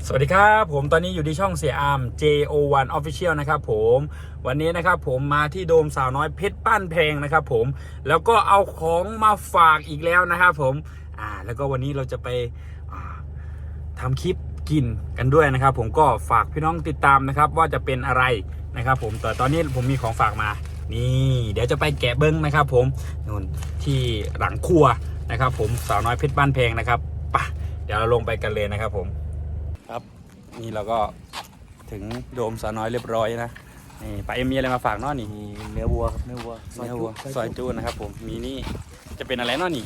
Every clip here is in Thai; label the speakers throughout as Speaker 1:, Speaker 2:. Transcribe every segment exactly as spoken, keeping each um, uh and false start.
Speaker 1: สวัสดีครับผมตอนนี้อยู่ที่ช่องเสียอาร์ม เจ โอ วัน Official นะครับผมวันนี้นะครับผมมาที่โดมสาวน้อยเพชรบ้านแพงนะครับผมแล้วก็เอาของมาฝากอีกแล้วนะครับผมอ่าแล้วก็วันนี้เราจะไปอ่าทำคลิปกินกันด้วยนะครับผมก็ฝากพี่น้องติดตามนะครับว่าจะเป็นอะไรนะครับผมแต่ตอนนี้ผมมีของฝากมานี่เดี๋ยวจะไปแกะเบิ้งนะครับผมนู่นที่หลังครัวนะครับผมสาวน้อยเพชรบ้านแพงนะครับไปเดี๋ยวเราลงไปกันเลยนะครับผมครับนี่เราก็ถึงโดมสาวน้อยเรียบร้อยนะนี่ป้าเอ็มมีอะไรมาฝากเนาะนี่
Speaker 2: มีเนื้อวัวครับเนื้อวัว
Speaker 1: เนื้อวัวซอยจูนะครับผมมีนี่จะเป็นอะไรเนาะนี่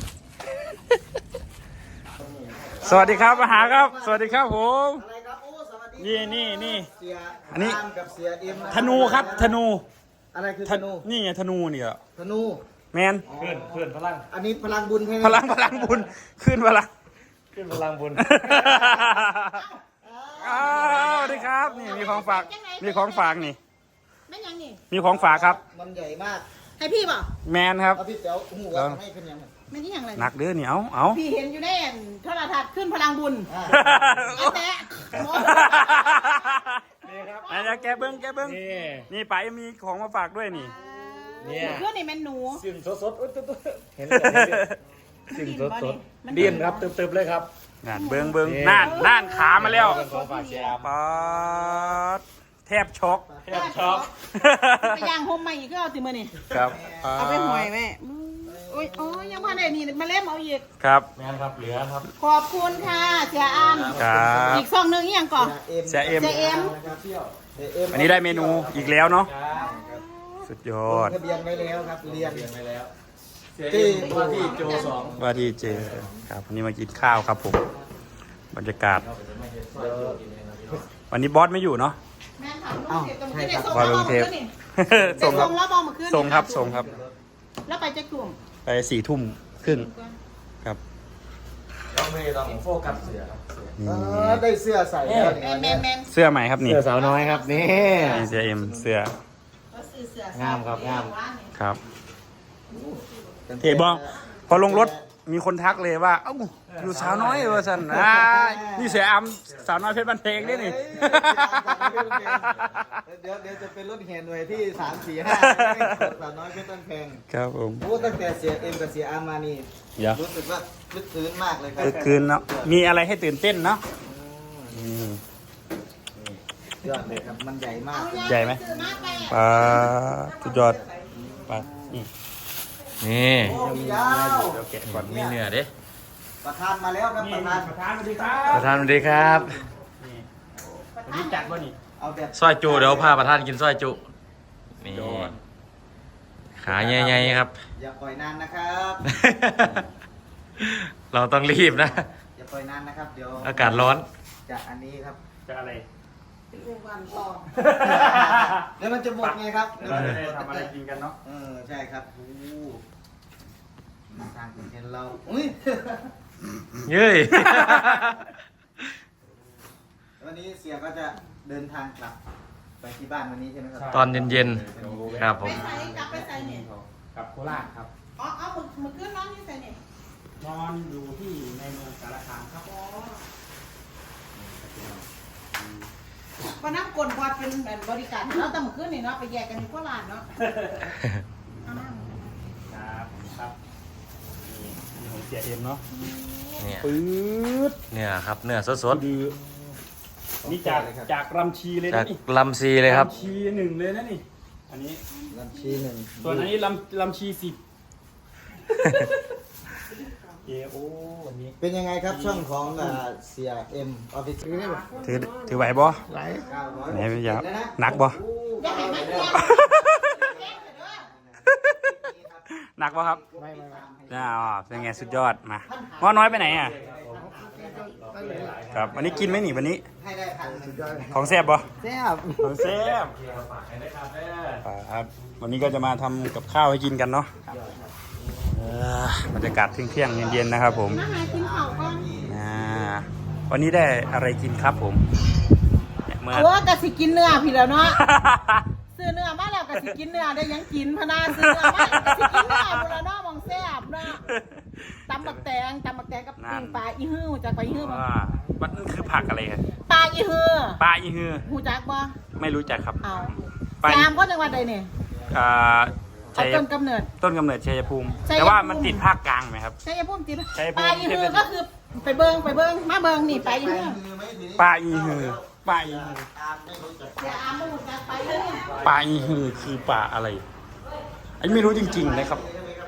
Speaker 1: สวัสดีครับมาหาครับสวัสดีครับผม
Speaker 3: อะไรครับโอ้สวัสดี
Speaker 1: นี่นี่นี่
Speaker 3: เสีย
Speaker 1: อันนี้
Speaker 3: ามกับเสียเอ็มะ
Speaker 1: ธนูครับธนู
Speaker 3: อะไรคือ
Speaker 1: ธ
Speaker 3: ธนู
Speaker 1: นี่ไงธนูเนี่ย
Speaker 3: ธนู
Speaker 1: แมน
Speaker 2: เพื่อนเพื่อนพลัง
Speaker 3: อันนี้พลังบุญใช่ไหม
Speaker 1: พลังพลังบุญขึ้นพลัง
Speaker 2: ขึ้นพลังบุญ
Speaker 1: อ้าวสวัสดีครับนี่มีของฝากมีของฝากนี่
Speaker 4: แม่นยังนี่
Speaker 1: มีของฝากครับ
Speaker 3: มันใหญ่มาก
Speaker 4: ให้พี่เปล่า
Speaker 1: แมนครับ
Speaker 3: เอาพี่เต๋อหูว่าทำให้ขึ้นยังไง
Speaker 4: แม่นนี่ยังไร
Speaker 1: หนักเด้อนี่เอาเอา
Speaker 4: พี่เห็นอยู่ในโทรทัศน์ขึ้นพลังบุญ
Speaker 3: อ่า
Speaker 4: ไอ้แตะหมอ
Speaker 2: นี่ครับ
Speaker 1: อันนี้แกเบิ้งแกเบิ้ง
Speaker 2: นี่
Speaker 1: นี่ป๋ายังมีของมาฝากด้วยนี่
Speaker 2: เนี่ย
Speaker 4: เพื่อนนี่แม่นหนู
Speaker 2: สิ่งสดสดๆอุ๊ยตุ๊ดๆเห็นเลยสิ่งสดสดๆดินครับตึบๆเลยครับ
Speaker 1: นั่นเบิ้งเบิ้ง
Speaker 2: นี่
Speaker 1: นั่นนั่นขามาแล้ว
Speaker 2: เป็นของฝากเชียร์
Speaker 1: ป๊าดแทบช็อก
Speaker 4: แทบช็อก ไปย่างโฮมใหม่อีกก็เอาติมือนี่
Speaker 1: ครับ
Speaker 4: เอาไปหอยแม่โอ้ยโอ้ยยังพอได้นี่มาเล่มเอาอีก
Speaker 1: ครับ
Speaker 2: แม่นครับเหลือครับ
Speaker 4: ขอบคุณค่ะเสียอาม
Speaker 1: ครับ
Speaker 4: อีกซองหนึงอีกอย่างก่อน
Speaker 1: เสียเอ็ม
Speaker 4: เสียเอ็ม
Speaker 3: นะครับเที่ยวเสียเอ็ม
Speaker 1: อันนี้ได้เมนูอีกแล้วเนาะสุดยอ
Speaker 3: ล
Speaker 1: ด
Speaker 3: งทะเบียนไว้แล้วครับเรียน
Speaker 2: ไปแล้ว
Speaker 3: ที่
Speaker 2: ว่าที่โจสอง
Speaker 1: ว่าที่เจอครับวันนี้มากินข้าวครับผมบรรยากาศ วันนี้บอสไม่อยู่เนาะ
Speaker 4: แม่นค่ะลูกเทพต้องได้ส่ง
Speaker 1: บอส
Speaker 4: แล้ว
Speaker 1: ล
Speaker 4: บอง ก
Speaker 1: เท
Speaker 4: เมื่
Speaker 1: ป
Speaker 4: อคืนนี่
Speaker 1: ส่งครับ
Speaker 4: ส่งแล้วบอกเมื่อคืนนี่
Speaker 1: ส่งครับส่งครับ
Speaker 4: แล้วไปจะกลุ่ม
Speaker 1: ไปสี่ทุ่มครึ่งครับ
Speaker 2: เราไม่ต้องโฟกัสเสือครับ
Speaker 3: เออได้เสื้อใส่แล้ว
Speaker 4: แม
Speaker 3: เนี่ย
Speaker 4: นแมนแมน
Speaker 1: เสื้อใหม่ครับนี่
Speaker 2: เสือสาวน้อยครับนี่
Speaker 1: นี่เสียเอ็มเสื้อ
Speaker 4: ก็ซื้อเสื้อ
Speaker 2: งามครับงาม
Speaker 1: ครับเห็นบ่พอลงรถมีคนทักเลยว่าเอ้าอยู่สาวน้อยเวอร์สันอ่านี่เสียอามสาวน้อยเพชรบันเพลงนี่นี่
Speaker 3: เดี๋ยวเดี๋ยวจะเป็นรถแห่หน่วยที่สามสี่ห้าสาวน้อยเพชรบ้านแพง
Speaker 1: ครับผม
Speaker 3: โอ้ตั้งแต่เสียเอ็มกับเสียอาร์มมานี่
Speaker 1: เดี๋ยว
Speaker 3: รู้สึกว่าลึกซึ้งมากเลยครั
Speaker 1: คือคืนเนาะมีอะไรให้ตื่นเต้นเนาะอืม
Speaker 3: ยอดเลยครับมันใหญ่มาก
Speaker 1: ใหญ่ไหม ปลาสุดยอดปลานี่
Speaker 2: นี่
Speaker 3: โอ้มีดาว
Speaker 1: เดี๋ยวแกะก่อน
Speaker 2: มีเนื้อเด้
Speaker 3: ประธานมาแล้วครับประธาน
Speaker 1: ประธานสวัสดีครั
Speaker 2: ป
Speaker 1: บ
Speaker 2: ระธานสวัสดีครับ
Speaker 1: นี่วันนี้จัดวะนี่
Speaker 3: เอาแบบ
Speaker 2: ซอยจุเดี๋ยวพาประธานกินซอยจุนี่
Speaker 1: ยอด
Speaker 2: ขาใหญ่ๆครับ
Speaker 3: อย่าปล่อยนานนะครับ
Speaker 2: เราต้องรีบนะ
Speaker 3: อย่าปล่อยนานนะครับเดี๋ยว
Speaker 2: อากาศร้อน
Speaker 3: จะอันนี้ครับ
Speaker 1: จะอะไร
Speaker 4: วันต่อ
Speaker 3: เดี๋ยวมันจะหมดไงครับเดี๋ยวมันจะหมด
Speaker 1: ทำอะไรกินกันเนาะ
Speaker 3: เออใช่ครับโอ้ทางคุณเห็นเราอุ้ย
Speaker 2: เย้ย
Speaker 3: วันนี้เสียก็จะเดินทางกลับไปที่บ้านวันนี้ใช่ไหมครับ
Speaker 2: ตอนเย็นๆครับผ
Speaker 4: ไป
Speaker 2: ม
Speaker 4: ใส่กลับไปใส่เนี่ย
Speaker 1: กับโคราชครับ
Speaker 4: อ๋อเอาหมึกหมึกขึ้นน้องนี่ใส่เนี่ย
Speaker 1: นอนอยู่ที่ในเมืองสารคามครับ
Speaker 4: อ๋อก็น้ำกลนพอเป็นแบบบริการเนาะแต่หมึกขึ้นนี่เนาะไปแยกกันอยู่โคราชเนาะเอามา
Speaker 1: ครับครับนี่นี่ของเสียเอ็มเนาะ
Speaker 2: เนี่ย
Speaker 1: ปื๊ด
Speaker 2: เนื้อครับเนื้อสด
Speaker 1: ดือนี่จากจากรำชีเลย
Speaker 2: ๆจา
Speaker 1: นะ
Speaker 2: ก
Speaker 1: นี่
Speaker 2: ลำซีเลยครับ
Speaker 1: ลำชีหนึ่งเลยนะนี่อันนี้
Speaker 3: ลำชีหนึ่ง
Speaker 1: ส่วนอันนี้ลำลำชีสิบเอโอวันนี้
Speaker 3: เป็นยังไงครับช่องของอ่าเสียเอ็มออฟฟิศ
Speaker 1: ถือถือไหวบ่
Speaker 3: ไหลเก้าร้อย
Speaker 1: ไหนพี่ยาหนักบ่
Speaker 4: อย่าให้มันแยก
Speaker 1: หนักบ่ครับ
Speaker 3: ไม่ไม่ไม่
Speaker 1: น่าอ๋อเป็นไงสุดยอดมาว่าน้อยไปไหนอ่ะครับวันนี้กินไหมหนิวันนี้
Speaker 3: ให้ได้พันหนึ่ง
Speaker 1: ของแซ่บบ่
Speaker 3: แซ่บ
Speaker 1: ของแซ่บครับวันนี้ก็จะมาทำกับข้าวให้กินกันเนาะเออบรรยากาศเที่ยงๆเย็นๆนะครับผม
Speaker 4: มาหากินข้าวก่อน
Speaker 1: อ่าวันนี้ได้อะไรกินครับผมเนี่ยเมื่อ
Speaker 4: โอ้กะสิกินเนื้อพี่แล้วเนาะ ซื้อเนื้อมาแล้วกะสิกินเนื้อได้ยังกินพะนาซื้อเนื้อมากะสิกินเนื้อบุรเนาะมองแซ่บเนาะตำบักแตงตำบักแตงกับปิ้งปลาอีฮื้อจากไปอีฮื้อมา
Speaker 1: ว่ามันคือผักอะไรครับ
Speaker 4: ปลาอีฮือ
Speaker 1: ปลาอีฮือ
Speaker 4: หูจักบ่
Speaker 1: ไม่รู้จักครับ
Speaker 4: เอา
Speaker 1: ปลา
Speaker 4: ยามก็จังหวัดใดเนี่ย
Speaker 1: อ่า
Speaker 4: เอา
Speaker 1: ชัย
Speaker 4: ต้นกำเนิด
Speaker 1: ต้นกำเนิดชัยภูมิ
Speaker 4: ชัยภูมิ
Speaker 1: แต่ว่ามันติดภาคกลางไหมครับ
Speaker 4: ชัยภูมิติด
Speaker 1: ชัยภูมิ
Speaker 4: ปลาอีฮือก็คือไปเบิงไปเบิงมาเบิงนี่ปลาอี
Speaker 3: ไป
Speaker 4: ฮือ
Speaker 3: มือไหมทีนี้
Speaker 1: ปลาอีฮือปลาอีฮือ
Speaker 3: ตามไม่รู้จัก
Speaker 4: เดี๋ยวอามไม่หูจักปลาอีฮือ
Speaker 1: ปลาอีฮือคือปลาอะไรอันนี้ไม่รู้จริงๆนะครับ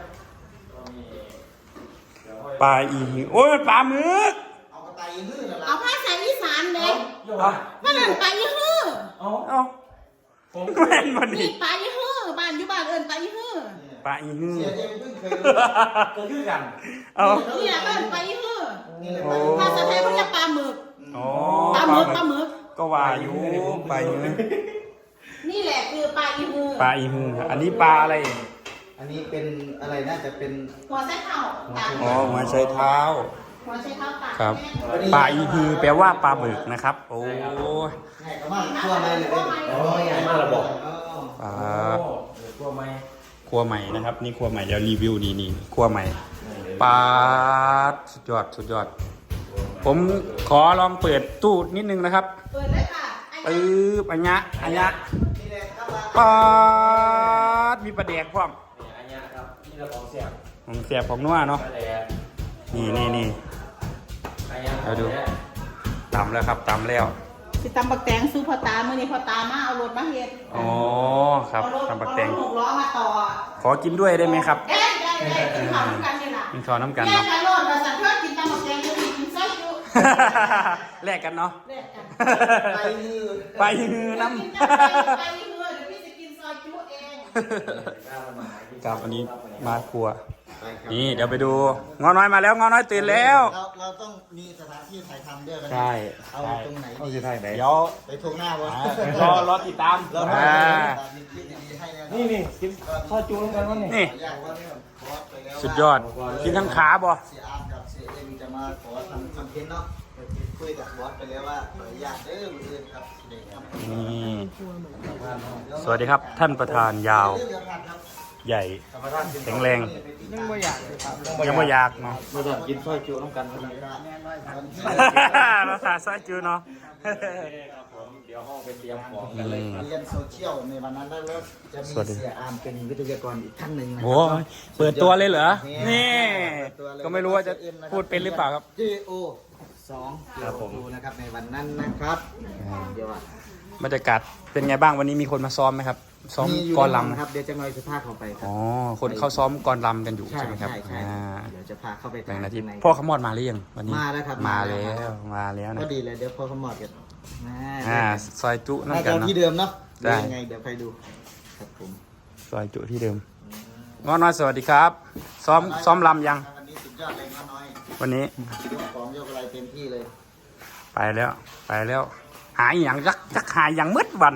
Speaker 1: ปลาอีฮือโอ้ยมันปลาหมึก
Speaker 3: เอากระต่ายยืดเหรอ
Speaker 4: เอาภาษาอีสานเด็ก
Speaker 1: เอา
Speaker 4: ว่านั่นปลาอีฮือ
Speaker 1: เอาผมแม่นวัน
Speaker 4: นี่
Speaker 1: นี้
Speaker 4: ปลาอีฮือบ้านอยู่บ้านเอิ้นปลาอีฮือ
Speaker 1: ปลาอีฮือ
Speaker 3: เสียเองเพิ่งเคย
Speaker 2: ก็คือกัน
Speaker 1: เอา
Speaker 4: นี่แหละเอิ้นปลาอีฮือ
Speaker 3: นี่แหละ
Speaker 1: โอ้
Speaker 4: ภาษาไทยเขาเรียกปลาหมึก
Speaker 1: อ๋อ
Speaker 4: ปลาหมึกปลาหมึก
Speaker 1: ก็ว่าอยู่ปลาอีฮือ
Speaker 4: นี่แหละคือปลาอีฮือ
Speaker 1: ปลาอีฮือครับอันนี้ปลาอะไร
Speaker 3: อันนี้เป็นอะไรน่าจะเป็น
Speaker 4: หัวไส้เท้าตาก
Speaker 1: อ๋อหัวไชเท้า
Speaker 4: หัวไส้เท้าตาก
Speaker 1: ครับ
Speaker 4: แม่
Speaker 1: ปลาอีฮือแปลว่าปลาหมึกนะครับ โอ้
Speaker 3: แห่กระมากทั่วไปเลยโอ้ย
Speaker 2: มาระบอก
Speaker 1: ปลา
Speaker 2: ตัวไหม
Speaker 1: ครัวใหม่นะครับ นี่ครัวใหม่เดี๋ยวรีวิวนี่นี่ครัวใหม่ปลาสุดยอดสุดยอด ผมขอลองเปิดตู้นิดนึงนะครับ
Speaker 4: เปิดเลยค่ะไอ้
Speaker 1: ปึ๊บอันยะอันยะ
Speaker 3: นี่แหละครับ
Speaker 1: ปลาดมีปลาแดกพร้อม
Speaker 2: อันนี้ครับนี่เราของเสียบ
Speaker 1: ของเสียบของนัวเนาะ
Speaker 2: มาแล้ว
Speaker 1: นี่นี่นี่
Speaker 2: อันนี้
Speaker 1: เอาดู ตำแล้วครับตำแล้ว
Speaker 4: สิตำบักแตงสู้พ่อตาเมื่อนี้พ่อตามาเอารถมาเฮ็ด
Speaker 1: อ๋อครับ
Speaker 4: เอารถ
Speaker 1: ตำปักแตง
Speaker 4: เอารถหกล้อมาต่อ
Speaker 1: ขอกินด้วยได้ไหมครับ
Speaker 4: เอ้ยได้ได้กินข้าวด้วยกันนี่ล่ะ
Speaker 1: กินข้าวน้ำกัน
Speaker 4: แยก
Speaker 1: เนาะ
Speaker 4: กันรถมาสั่งเพื่อกินตำบักแตงจะกินซอยจุ
Speaker 1: แลกกันเนาะ
Speaker 4: แลกกัน
Speaker 3: ไปมือ
Speaker 1: ไปฮือน้
Speaker 4: กินกันไปไปเพื่อเดี๋ยวพี่จะกินซอยจุเอง
Speaker 1: ำกับอันนี้มาครัว
Speaker 3: ไปครับ
Speaker 1: นี่เดี๋ยวไปดูงอน้อยมาแล้วงอน้อยตื่นแล้ว
Speaker 3: เราเราต้องมีสถานที่ถ่ายทำด้วยกัน
Speaker 1: ใช่
Speaker 3: เอาตรงไหน
Speaker 2: เขา
Speaker 3: ดี
Speaker 2: จะถ่ายไหน
Speaker 1: เดี๋ยว
Speaker 3: ไปทุ่งหน้าวะ
Speaker 1: รอรอติดตาม
Speaker 3: เรา
Speaker 1: อ่า
Speaker 3: มีคลิปดีๆให้แน่นอน
Speaker 2: นี่นี่กินข้าวจูนกันวะนี่
Speaker 1: นี่
Speaker 3: อยากว่าเนี่ยขอไปแล้วว่า
Speaker 1: สุดยอดกินทั้งขาบ่
Speaker 3: เสียอาร์มกับเสียเอ็มจะมาขอทำคอนเทนต์เนาะคุยกับบอสไปแล้วว่าขออนุญาตเด้อมืออื่นครับเด็กครับ
Speaker 1: นี่สวัสดีครับท่านประธานยาว
Speaker 3: เรื่องเดียวกันครับ
Speaker 1: ใหญ่แข็งแรง
Speaker 3: ยังไม่อยากเลยครับ
Speaker 1: ยังไม่อยากเนาะ
Speaker 2: มาสั่งกินข้าวจูนกันวะนี่
Speaker 1: ภาษาซอยจูเนาะ
Speaker 2: เดี๋ยวห้องไปเตรียมของ
Speaker 1: อื
Speaker 2: กันเลย
Speaker 1: ม
Speaker 3: เรียนโซเชียลในวันนั้นแล้วจะมี
Speaker 1: สวัสดี
Speaker 3: เสียอาร์มเป็นวิทยากรอีกท่านหนึ่งนะครั
Speaker 1: โอ้ยเปิดตัวเลยเหรอ นี่
Speaker 3: เปิดตัวเลย
Speaker 1: ก็ไม่รู้ว่าจะพูดเป็นหรือเปล่าครับ
Speaker 3: เจโอสองครับผมนะครับในวันนั้นนะครับเดี๋ยวอ่ะ
Speaker 1: บรรยากาศเป็นไงบ้างวันนี้มีคนมาซ้อมไหมครับ ซ้อม
Speaker 3: มีอยู่
Speaker 1: กล
Speaker 3: แน่นอน
Speaker 1: ลำ
Speaker 3: ครับเดี๋ยวจะงอยจะพาเขาไปครั
Speaker 1: อ๋อ คนเขาซ้อมกลลำกันอยู่
Speaker 3: ใช่
Speaker 1: ใช่ไหมครับ
Speaker 3: ใช่ใช่
Speaker 1: อ่า
Speaker 3: เดี๋ยวจะพาเข้าไป
Speaker 1: แบ่งหนาที
Speaker 3: ข้งใ
Speaker 1: พ่อขมอดมาหรือยังวันนี้
Speaker 3: มาแล้วครับ
Speaker 1: มา
Speaker 3: มาแล้
Speaker 1: แล้ว วมาแล้วนะ
Speaker 3: ก็ดีเลยเดี๋ยวพอเขาหมอดกัน
Speaker 1: อ่าซอยจุ
Speaker 3: น่า
Speaker 1: นั่นกั
Speaker 3: จะ
Speaker 1: นเนาะ
Speaker 3: ที่เดิมเนาะ
Speaker 1: ได้
Speaker 3: ยังไงเดี๋ยวใครดูครับผม
Speaker 1: ซอยจุที่เดิมง้อน้อยสวัสดีครับ ซ้อมซ้อมลำยัง
Speaker 3: วันนี้สุดยอดเลยน้าน้อย
Speaker 1: วันนี้
Speaker 3: ยกของยกอะไรเต็มที่เลย
Speaker 1: ไปแล้ว ไปแล้ว หายอย่างยักยักหายอย่างมืดวัน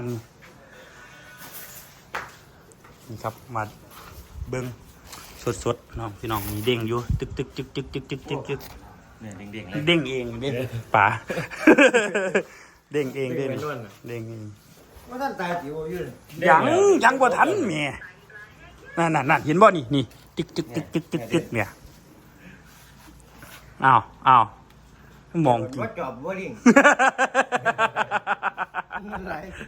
Speaker 1: นี่ครับมาเบิ้งสดๆน้องพี่น้องมีเด้งอยู่ตึกตึกตึกตึกตึกตึกตึกตึก
Speaker 2: เนี่ยเด้งๆเลย
Speaker 1: เด้งเองเด้งป่า เด้งเองเด้ง
Speaker 2: เด้งไปนู่นน่ะ
Speaker 1: เด้งเอง
Speaker 3: ว่าท่านตายจิ๋วอยู่เลย
Speaker 1: ยังยังบ่ทันแม่นั่นนั่นนั่นเห็นบ่นี่นี่ตึกตึกตึกตึกตึกตึกเนี่ยอ้าวอ้าวมองจริง
Speaker 3: ว่าจอบว่าดิ่งอะไร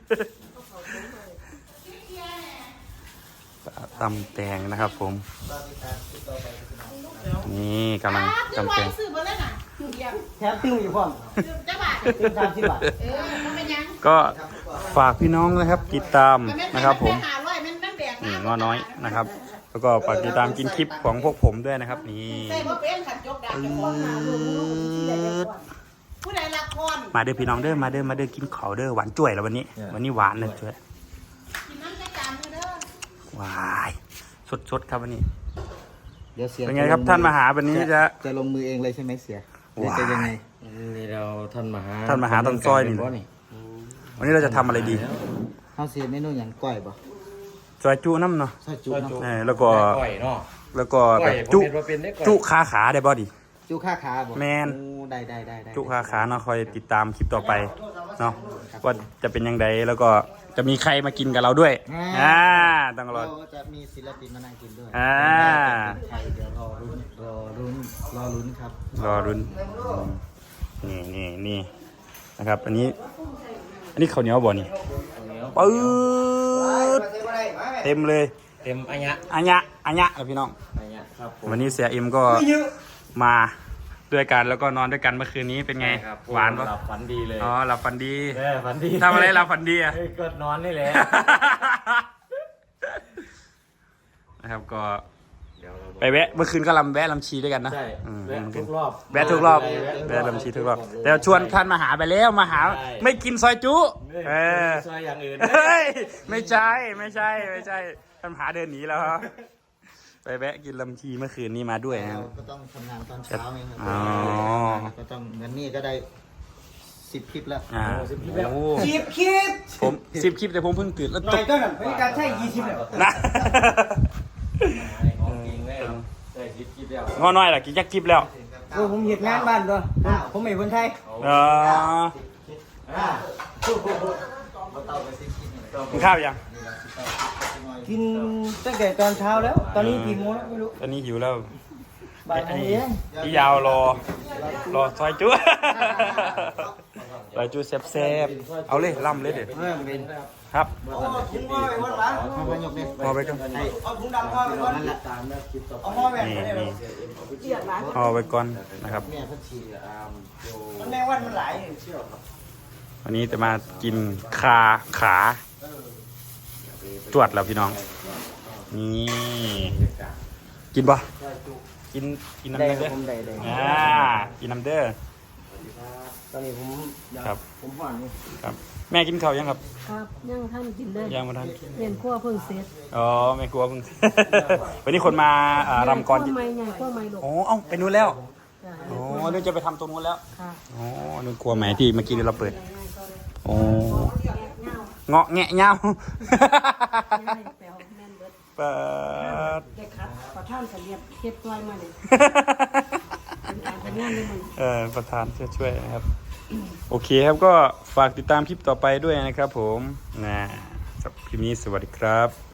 Speaker 1: ตำแตงนะครับผม นี่กำลัง
Speaker 4: จะ
Speaker 1: ตำ
Speaker 4: วา
Speaker 1: แต
Speaker 4: ง
Speaker 1: ง
Speaker 4: ซื้อมาแล้วน่ะอยู่เดียว
Speaker 3: แถมติ้วอยู่พ่อม
Speaker 4: ซื้อจะบาท
Speaker 3: ติ้วสามสิบบาท
Speaker 4: เออมันเป็นยัง
Speaker 1: ก็ฝากพี่น้องนะครับ ติดตามนะครับผม
Speaker 4: หาร้อยมันมันแดก
Speaker 1: นี่ง้อน้อยนะครับ แล้วก็ฝากติดตามกินคลิปของพวกผมด้วยนะครับ นี่
Speaker 4: ใส่บ่เป็นขันจกดาบจะของหาลูกผู้ใดละคร
Speaker 1: มาเด้อพี่น้องเด้อมาเด้อมาเด้อกินข้าวเด้อหวานจ่วยแล้ววันนี้ วันนี้หวานเลยจ่วย
Speaker 4: กินน้ำในจานเด้อ
Speaker 1: หวายสดๆครับวันนี้
Speaker 3: เดี๋ยวเสีย
Speaker 1: เป็นไงครับท่านมาหาวันนี้จะ
Speaker 3: จะลงมือเองเลยใช่ไหมเสียหรือ
Speaker 1: ว้า
Speaker 3: จะยังไง
Speaker 2: นี่เราท่านมหา
Speaker 1: ท่านมหาต้นซอยนี่
Speaker 2: บ่นี่
Speaker 1: วันนี้เราจะทำอะไรดี
Speaker 3: เขาเสียเมนูอย่างก้อยป่ะ
Speaker 1: ซอยจุน้ำเนาะ
Speaker 3: ซอยจุเนาะ
Speaker 1: เออแล้วก็
Speaker 2: ก้อยเนาะ
Speaker 1: แล้วก็
Speaker 2: ก้
Speaker 1: แบ
Speaker 2: อย
Speaker 1: บ
Speaker 2: ผม
Speaker 1: จุ
Speaker 2: เห็นว่าเป็นได้ก้อย
Speaker 1: จุขาขาได้บ่ดิ
Speaker 3: จุค่าขาบ่
Speaker 1: แมน
Speaker 3: โอ้ได้ได้ได้ได้
Speaker 1: จุขาขาเนาะคอยติดตามคลิปต่อไปเนาะว่าจะเป็นยังไงแล้วก็จะมีใครมากินกับเราด้วยอ่าต้องรอ
Speaker 3: เราจะมีศิลปินมานั่งกินด้วย
Speaker 1: อ่า
Speaker 3: ใครเดี๋ยวรอรุ้นรอรุ้นรอรุ้นครับ
Speaker 1: รอรุ้นอืมนี่นี่นี่นะครับอันนี้อันนี้ข้าวเหนียวบ่นี่ปื๊ดเต็มเลย
Speaker 2: เต็มอันยะ
Speaker 1: อันยะอันยะครับพี่น้อง
Speaker 2: อันยะครับผม
Speaker 1: วันนี้เสียเอ็มก็มาด้วยกันแล้วก็นอนด้วยกันเมื่อคืนนี้เป็นไง
Speaker 2: ครับ
Speaker 1: หวานปะ
Speaker 2: หลับฝันดีเลย
Speaker 1: อ๋อหลับฝันดี
Speaker 2: แม่ฝันดี
Speaker 1: ทำอะไรหลับฝันดีอะ
Speaker 2: เฮ้ยก็นอนนี่แหละ
Speaker 1: นะครับก็
Speaker 2: เดี๋ยวเรา
Speaker 1: ไปแวะเมื่อคืนก็ลำแวะลำชีด้วยกันนะ
Speaker 2: ใช่
Speaker 1: อืม
Speaker 2: แวะทุกรอบ
Speaker 1: แวะทุกรอบแวะลำชีทุกรอบแต่ชวนท่านมาหาไปแล้วมาหา
Speaker 2: ใช่
Speaker 1: ไม่กินซอยจุเออ
Speaker 2: ซอยอย่างอื่น
Speaker 1: เฮ้ยไม่ใช่ไม่ใช่ไม่ใช่ท่านหาเดินหนีแล้วครับไปแวะกินลำชีเมื่อคืนนี้มาด้วยนะครับ
Speaker 3: ก็ต้องทำงานตอนเช้าไงครับ
Speaker 1: อ๋อ
Speaker 3: ก็ต้องเงินนี่ก็ได้สิบคลิปแล้ว
Speaker 1: อ่าโอ้
Speaker 4: สิบคลิป
Speaker 1: ผมสิบคลิปแต่ผมเพิ่งตื่นแล้ว
Speaker 4: หน่
Speaker 1: ต
Speaker 4: อย
Speaker 1: ก
Speaker 4: ก็แบบไม่การใช้ยี่สิบเลย
Speaker 1: นะ
Speaker 2: ของจริงเลยได้คิดคิดแล้ว
Speaker 1: งอน้อยล่ะกี่จักคลิปแล้ว
Speaker 5: โอ้ผมเหยียดงานบ้านด้วยผมผมไม่คนไทย
Speaker 1: เออ
Speaker 3: อ่าเราเต้าไปสิบคลิปนี่แหละ
Speaker 1: กินข้าวยัง
Speaker 5: กินตั้งแต่ตอนเช้าแล้ว ตอนนี้กี่โมงแล้วไม่รู้
Speaker 1: ตอนนี้หิวแล้ว
Speaker 5: บ่ายโม
Speaker 1: ไอ้
Speaker 5: งเอง
Speaker 1: พี่ยาวรอรอซอยจุ๊ ซอยจุ๊แซ่บๆเอาเลยล่ำเลยเด็ด
Speaker 5: เริ่มเป็น
Speaker 1: ครับ
Speaker 5: ถุงห่อไปวันหลัง
Speaker 3: เอาไปยกเนี่ย
Speaker 1: พอไปก่อน
Speaker 5: เอาถุงดำห่อไปก่อน
Speaker 3: นั่นแหละ
Speaker 5: เอาห่อแบบ
Speaker 1: นี่
Speaker 5: นี้เลย
Speaker 1: นี่พอไปก่อนนะครับ
Speaker 3: แม่พัชชี
Speaker 5: มันแม่วันมันหลาย
Speaker 1: วันนี้จะมากินคาขาจวดแล้วพี่น้องนี่กินปะกินกินน้ำ
Speaker 5: ได้
Speaker 1: เด้อ
Speaker 5: ผมได้ได้
Speaker 1: อ่ากินน้ำเด้อ
Speaker 5: ตอนนี้ผม
Speaker 1: ครับ
Speaker 5: ผมผ่อนนี่
Speaker 1: ครับ แม่กินข้าวยังครับ
Speaker 6: ครับยังท่านกินได้
Speaker 1: ยังมาทัน
Speaker 6: เรียนขั้วเพิ่งเสร็จ
Speaker 1: อ๋อแม่กลัวเพิ่ง วันนี้คนมาอ่ารำกร
Speaker 6: ขั้วไม่ไงขั้วไม่หลก
Speaker 1: โอ้เอ้าไปนู้นแล้ว
Speaker 6: จ้ะ
Speaker 1: โอ้นึกจะไปทำตรงนู้นแล้ว
Speaker 6: ค่ะ
Speaker 1: โอ้นึกกลัวไหมที่เมื่อกี้เราเปิดโอ้เงาะแงะเงา
Speaker 6: ยังให้แปลวแม่นเบิด
Speaker 1: เปิด
Speaker 6: ได้ครับประท่านกับเรียบเฮ็ดตัวมาเลยเป็นการเป็นงานเลยมึง
Speaker 1: เออประธานช่วยช่วยนะครับ โอเคครับก็ฝากติดตามคลิปต่อไปด้วยนะครับผมนะสำหรับคลิปนี้สวัสดีครับ